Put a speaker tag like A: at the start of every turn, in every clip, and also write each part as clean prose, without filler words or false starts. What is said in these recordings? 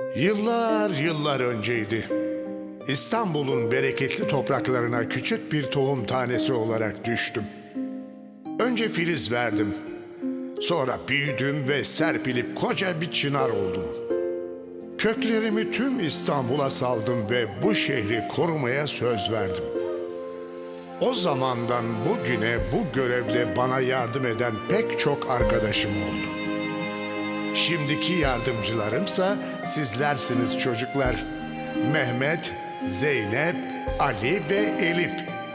A: Yıllar yıllar önceydi. İstanbul'un bereketli topraklarına küçük bir tohum tanesi olarak düştüm. Önce filiz verdim. Sonra büyüdüm ve serpilip koca bir çınar oldum. Köklerimi tüm İstanbul'a saldım ve bu şehri korumaya söz verdim. O zamandan bugüne bu görevle bana yardım eden pek çok arkadaşım oldu. Şimdiki yardımcılarımsa sizlersiniz çocuklar. Mehmet, Zeynep, Ali ve Elif.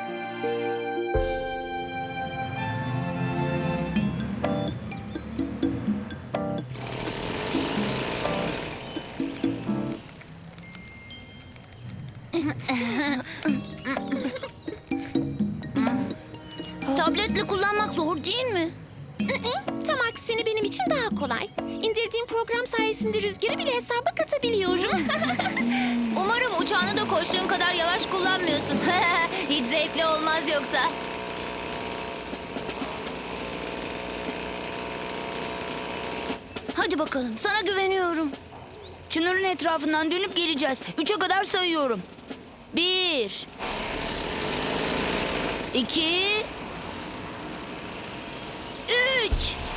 B: Tabletle kullanmak zor değil mi?
C: Tam aksine benim için daha kolay. İndirdiğim program sayesinde rüzgarı bile hesaba katabiliyorum.
B: Umarım uçağını da koştuğun kadar yavaş kullanmıyorsun. Hiç zevkli olmaz yoksa. Hadi bakalım, sana güveniyorum.
D: Çınarın etrafından dönüp geleceğiz. 3'e kadar sayıyorum. 1 2 3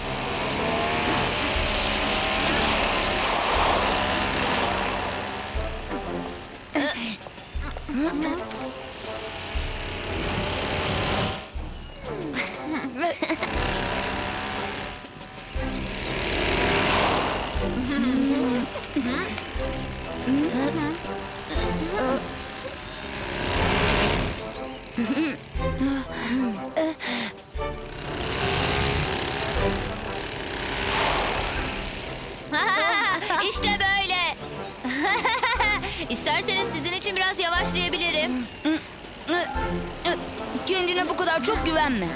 B: İşte böyle. İsterseniz sizin için biraz yavaşlayabilirim.
D: Kendine bu kadar çok güvenme.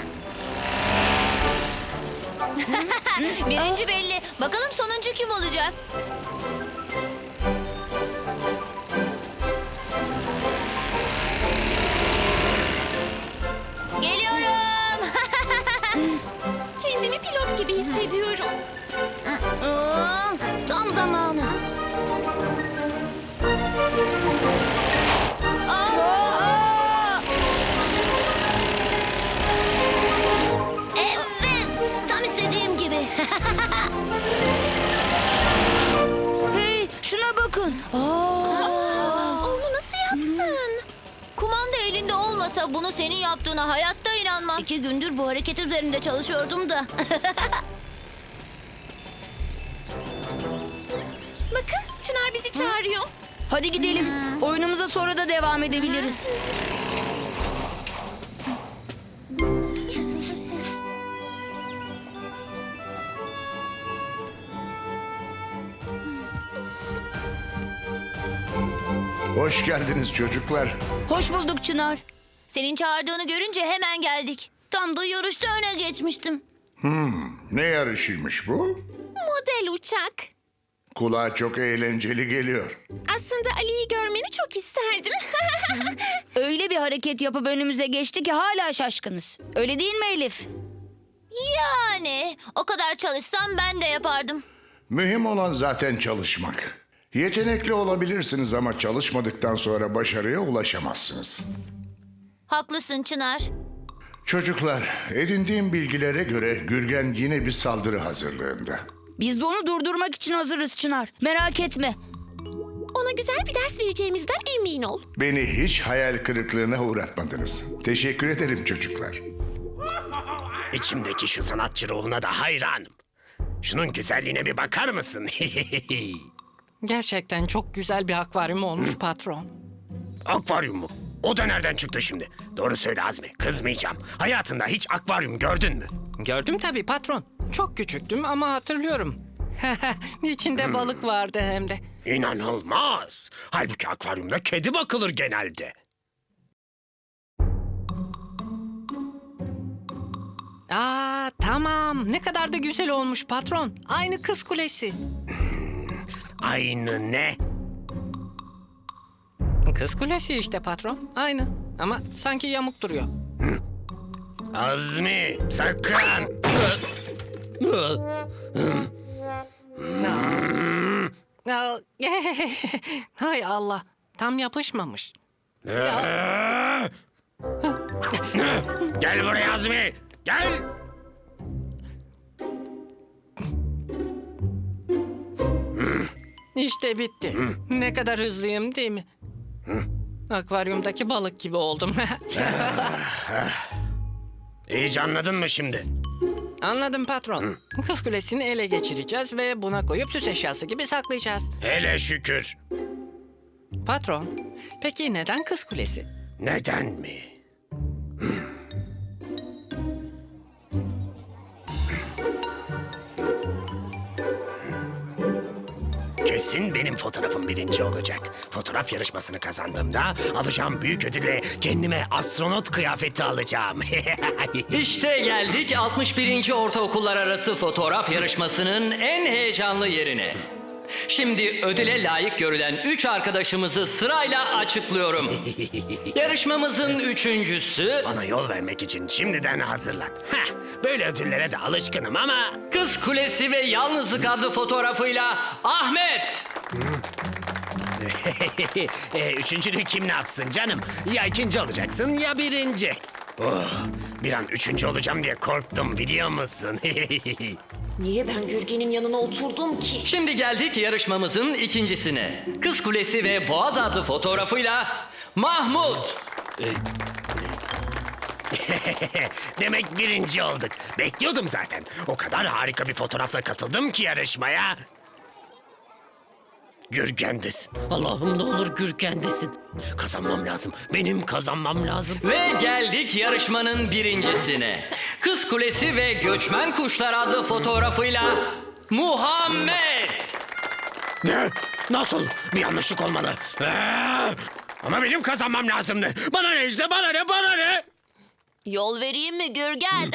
B: Birinci belli. Bakalım sonuncu kim olacak? Geliyorum.
C: Kendimi pilot gibi hissediyorum.
B: Tam zamanı. Evet, tam istediğim gibi.
D: Hey, şuna bakın.
C: Onu nasıl yaptın?
B: Kumanda elinde olmasa bunu senin yaptığına hayatta inanmam. 2 gündür bu hareket üzerinde çalışıyordum da.
C: Bakın, Çınar bizi çağırıyor.
D: Hadi gidelim. Oyunumuza sonra da devam edebiliriz.
A: Hoş geldiniz çocuklar.
D: Hoş bulduk Çınar.
B: Senin çağırdığını görünce hemen geldik. Tam da yarışta öne geçmiştim.
A: Ne yarışıymış bu?
C: Model uçak.
A: Kulağa çok eğlenceli geliyor.
C: Aslında Ali'yi görmeni çok isterdim.
D: Öyle bir hareket yapıp önümüze geçti ki hala şaşkınız. Öyle değil mi Elif?
B: Yani o kadar çalışsam ben de yapardım.
A: Mühim olan zaten çalışmak. Yetenekli olabilirsiniz ama çalışmadıktan sonra başarıya ulaşamazsınız.
B: Haklısın Çınar.
A: Çocuklar, edindiğim bilgilere göre Gürgen yine bir saldırı hazırlığında.
D: Biz de onu durdurmak için hazırız Çınar. Merak etme.
C: Ona güzel bir ders vereceğimizden emin ol.
A: Beni hiç hayal kırıklığına uğratmadınız. Teşekkür ederim çocuklar.
E: İçimdeki şu sanatçı ruhuna da hayranım. Şunun güzelliğine bir bakar mısın?
F: Gerçekten çok güzel bir akvaryum olmuş patron.
E: Akvaryum mu? O da nereden çıktı şimdi? Doğru söyle Azmi, kızmayacağım. Hayatında hiç akvaryum gördün mü?
F: Gördüm tabii patron. Çok küçüktüm ama hatırlıyorum. İçinde balık vardı hem de.
E: İnanılmaz. Halbuki akvaryumda kedi bakılır genelde.
F: Aa tamam. Ne kadar da güzel olmuş patron. Aynı Kız Kulesi.
E: Aynı ne?
F: Kız Kulesi işte patron. Aynı. Ama sanki yamuk duruyor.
E: Azmi, sakın.
F: Hay Allah. Tam yapışmamış.
E: Gel buraya Azmi. Gel.
F: İşte bitti. Ne kadar hızlıyım değil mi? Akvaryumdaki balık gibi oldum.
E: İyice anladın mı şimdi?
F: Anladım patron. Kız kulesini ele geçireceğiz ve buna koyup süs eşyası gibi saklayacağız.
E: Hele şükür.
F: Patron, peki neden kız kulesi?
E: Neden mi? Kesin benim fotoğrafım birinci olacak. Fotoğraf yarışmasını kazandığımda alacağım büyük ödülle kendime astronot kıyafeti alacağım.
G: İşte geldik 61. Ortaokullar Arası Fotoğraf Yarışması'nın en heyecanlı yerine. Şimdi ödüle layık görülen 3 arkadaşımızı sırayla açıklıyorum. Yarışmamızın üçüncüsü
E: Bana yol vermek için şimdiden hazırlan. Heh, böyle ödüllere de alışkınım ama...
G: Kız Kulesi ve Yalnızlık adlı fotoğrafıyla Ahmet.
E: Üçüncülüğü kim ne yapsın canım? Ya ikinci olacaksın ya birinci. Oh, bir an üçüncü olacağım diye korktum biliyor musun?
H: Niye ben Gürgen'in yanına oturdum ki?
G: Şimdi geldik yarışmamızın ikincisine. Kız Kulesi ve Boğaz adlı fotoğrafıyla Mahmut.
E: Demek birinci olduk. Bekliyordum zaten. O kadar harika bir fotoğrafla katıldım ki yarışmaya. Gürgen'desin. Allah'ım ne olur Gürgen'desin. Kazanmam lazım. Benim kazanmam lazım.
G: Ve geldik yarışmanın birincisine. Kız Kulesi ve Göçmen Kuşlar adlı fotoğrafıyla Muhammed.
E: Ne? Nasıl? Bir yanlışlık olmalı. Ama benim kazanmam lazımdı. Bana ne işte? Bana ne? Bana ne?
B: Yol vereyim mi Gürgen?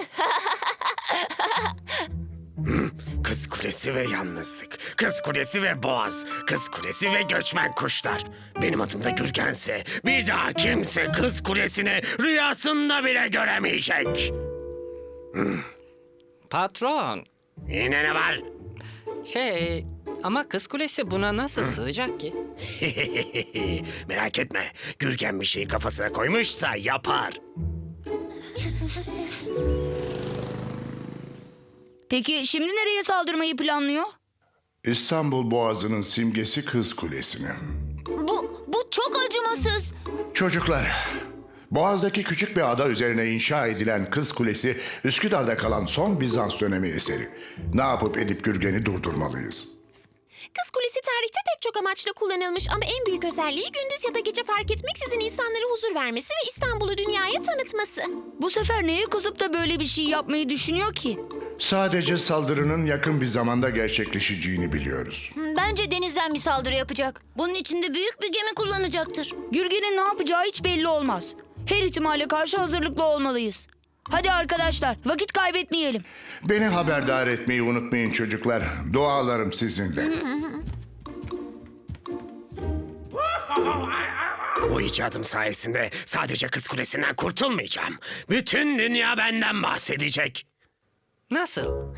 E: Kız Kulesi ve Yalnızlık. Kız Kulesi ve Boğaz. Kız Kulesi ve Göçmen Kuşlar. Benim adım da Gürgense bir daha kimse Kız Kulesi'ni rüyasında bile göremeyecek.
F: Patron,
E: Yine ne var?
F: ama kız kulesi buna nasıl sığacak ki?
E: Merak etme. Gürgen bir şeyi kafasına koymuşsa yapar.
D: Peki şimdi nereye saldırmayı planlıyor?
A: İstanbul Boğazı'nın simgesi Kız Kulesi'ni.
B: Bu çok acımasız.
A: Çocuklar, Boğaz'daki küçük bir ada üzerine inşa edilen Kız Kulesi, Üsküdar'da kalan son Bizans dönemi eseri. Ne yapıp edip Gürgen'i durdurmalıyız.
C: Kız kulesi tarihte pek çok amaçla kullanılmış ama en büyük özelliği gündüz ya da gece fark etmeksizin insanlara huzur vermesi ve İstanbul'u dünyaya tanıtması.
D: Bu sefer neye kızıp da böyle bir şey yapmayı düşünüyor ki?
A: Sadece saldırının yakın bir zamanda gerçekleşeceğini biliyoruz.
B: Bence denizden bir saldırı yapacak. Bunun için de büyük bir gemi kullanacaktır.
D: Gürgen'in ne yapacağı hiç belli olmaz. Her ihtimale karşı hazırlıklı olmalıyız. Hadi arkadaşlar, vakit kaybetmeyelim.
A: Beni haberdar etmeyi unutmayın çocuklar. Dualarım sizinle.
E: Bu icadım sayesinde sadece Kız Kulesi'nden kurtulmayacağım. Bütün dünya benden bahsedecek.
F: Nasıl?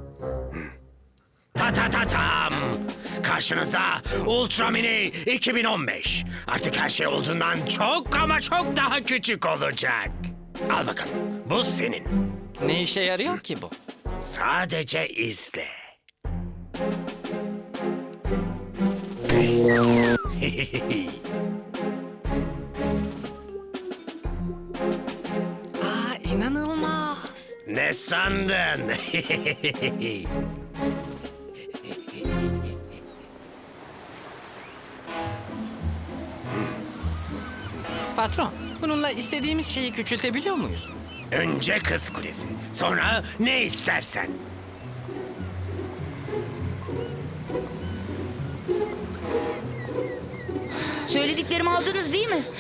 E: Ta ta ta tam. Karşınızda Ultra Mini 2015. Artık her şey olduğundan çok ama çok daha küçük olacak. Al bakalım. Bu senin.
F: Ne işe yarıyor ki bu?
E: Sadece izle.
F: İnanılmaz.
E: Ne sandın?
F: Patron, bununla istediğimiz şeyi küçültebiliyor muyuz?
E: Önce Kız Kulesi, sonra ne istersen.
D: Söylediklerimi aldınız değil mi?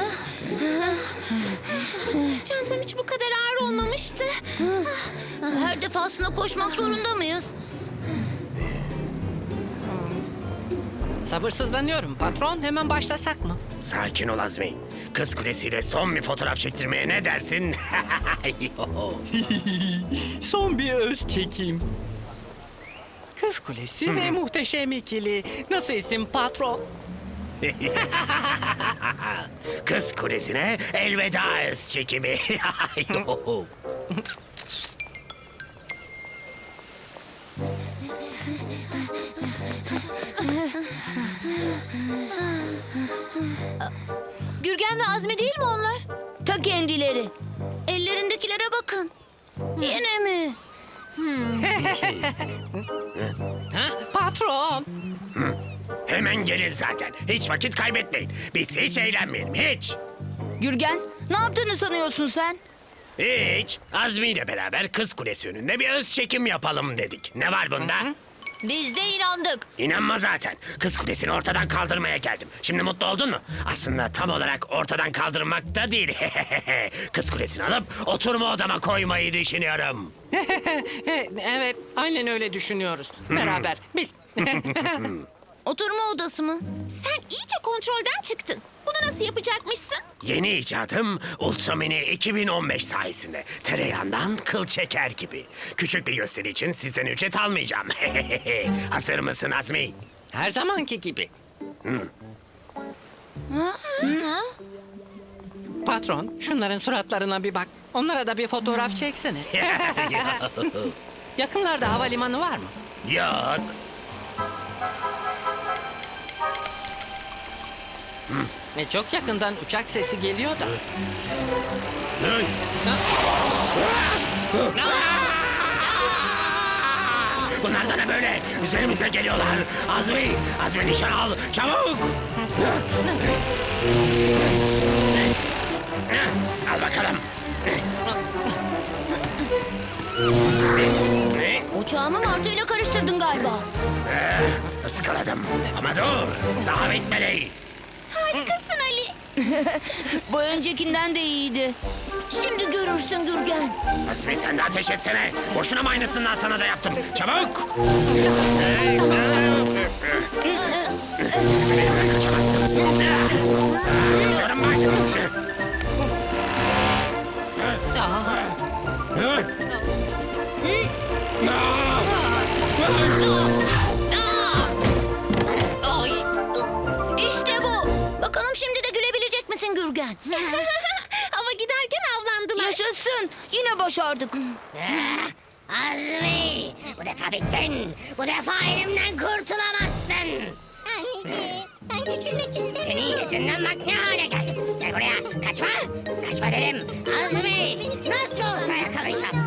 C: Çantam hiç bu kadar ağır olmamıştı.
B: Her defasında koşmak zorunda mıyız?
F: Sabırsızlanıyorum. Patron, hemen başlasak mı?
E: Sakin ol Azmi. Kız Kulesi'yle son bir fotoğraf çektirmeye ne dersin?
F: Son bir öz çekeyim. Kız Kız Kulesi ve muhteşem ikili. Nasıl isim patron?
E: Kız Kulesi'ne elveda öz çekimi.
B: Gürgen ve Azmi değil mi onlar?
D: Ta kendileri.
B: Ellerindekilere bakın. Yine mi?
F: Ha? Patron.
E: Hemen gelin zaten. Hiç vakit kaybetmeyin. Biz hiç eğlenmeyelim, hiç.
D: Gürgen, ne yaptığını sanıyorsun sen?
E: Hiç. Azmi ile beraber Kız Kulesi önünde bir öz çekim yapalım dedik. Ne var bunda?
B: Biz de inandık.
E: İnanma zaten. Kız Kulesi'ni ortadan kaldırmaya geldim. Şimdi mutlu oldun mu? Aslında tam olarak ortadan kaldırmak da değil. Kız Kulesi'ni alıp oturma odama koymayı düşünüyorum.
F: Evet, aynen öyle düşünüyoruz. Beraber biz.
B: Oturma odası mı?
C: Sen iyice kontrolden çıktın. Bunu nasıl yapacakmışsın?
E: Yeni icadım Ultramini 2015 sayesinde. Tereyağından kıl çeker gibi. Küçük bir gösteri için sizden ücret almayacağım. Hazır mısın Azmi?
F: Her zamanki gibi. Patron, şunların suratlarına bir bak. Onlara da bir fotoğraf çeksene. Yakınlarda havalimanı var mı?
E: Yok.
F: Çok yakından uçak sesi geliyor da.
E: Hey! Bunlar da ne böyle? Üzerimize geliyorlar. Azmi nişan al. Çabuk. Al bakalım.
B: Uçağımı martıyla karıştırdın galiba.
E: Iskaladım. Ama dur. Daha bitmedi.
C: Harikasın Ali.
D: Bu öncekinden de iyiydi.
B: Şimdi görürsün Gürgen.
E: Azmi sen de ateş etsene. Boşuna mı aynısından sana da yaptım. Çabuk. Hiçbir yere kaçamazsın. Diyorum bak.
B: İşte bu. Bakalım şimdi de gülebilecek misin Gürgen?
C: Hava giderken avlandılar.
D: Yaşasın. Yine başardık.
I: Azmi! Bu defa bittin. Bu defa elimden kurtulamazsın. Anneciğim, ben küçülmek istemiyorum. Senin yüzünden bak ne hale geldim. Gel buraya. Kaçma. Kaçma dedim. Azmi! Nasıl olsa yakalayacağım.